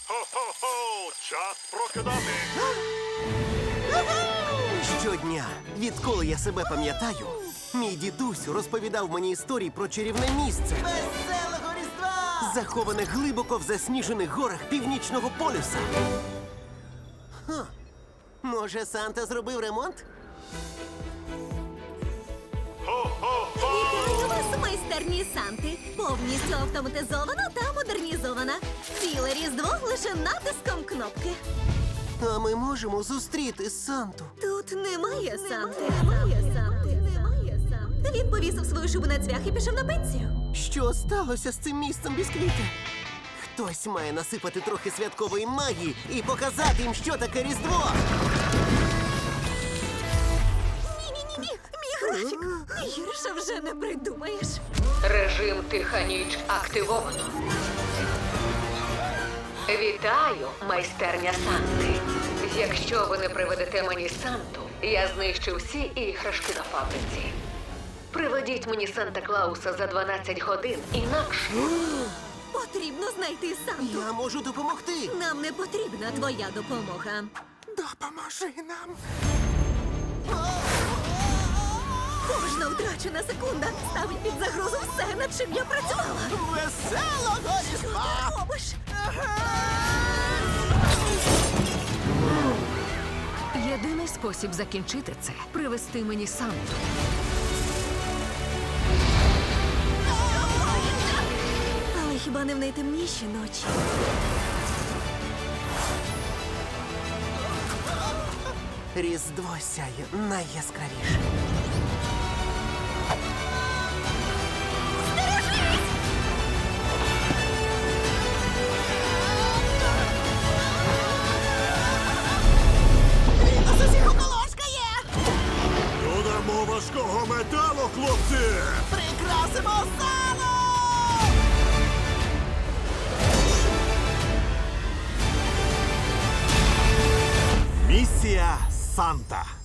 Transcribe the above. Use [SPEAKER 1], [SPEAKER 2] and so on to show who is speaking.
[SPEAKER 1] Хо-хо-хо! Час прокидати!
[SPEAKER 2] Щодня, відколи я себе пам'ятаю, мій дідусь розповідав мені історії про чарівне місце,
[SPEAKER 3] Веселого Різдва!
[SPEAKER 2] заховане глибоко в засніжених горах Північного полюса. Може, Санта зробив ремонт?
[SPEAKER 4] Вітаю вас, майстерні Санти! Повністю автоматизована та модернізована. Ціле Різдво лише натиском кнопки.
[SPEAKER 2] А ми можемо зустріти Санту.
[SPEAKER 4] Тут немає Санти. Немає Санти. Він повісив свою шубу на цвях і пішов на пенсію.
[SPEAKER 2] Що сталося з цим місцем бісквіти? Хтось має насипати трохи святкової магії і показати їм, що таке Різдво.
[SPEAKER 4] Ні-ні-ні, мій графік. Гірше вже не придумаєш.
[SPEAKER 5] Режим «Тиха ніч» активовано. Вітаю, майстерня Санти. Якщо ви не приведете мені Санту, я знищу всі іграшки на фабриці. Приведіть мені Санта-Клауса за 12 годин, інакше...
[SPEAKER 4] Потрібно знайти Санту.
[SPEAKER 2] Я можу допомогти.
[SPEAKER 4] Нам не потрібна твоя допомога.
[SPEAKER 2] Допоможи нам.
[SPEAKER 4] Кожна втрачена секунда ставить під загрозу все, над чим я працювала.
[SPEAKER 3] Веселого
[SPEAKER 4] Що
[SPEAKER 3] Різдва!
[SPEAKER 4] ти робиш?
[SPEAKER 5] Єдиний спосіб закінчити це – привести мені Санту.
[SPEAKER 4] Але хіба не в найтемніші ночі?
[SPEAKER 2] Різдво сяє найяскравіше.
[SPEAKER 3] Він нас усіх околошкає!
[SPEAKER 1] Додамо важкого металу, хлопці!
[SPEAKER 3] Прикрасимо залу!
[SPEAKER 1] Місія Санта.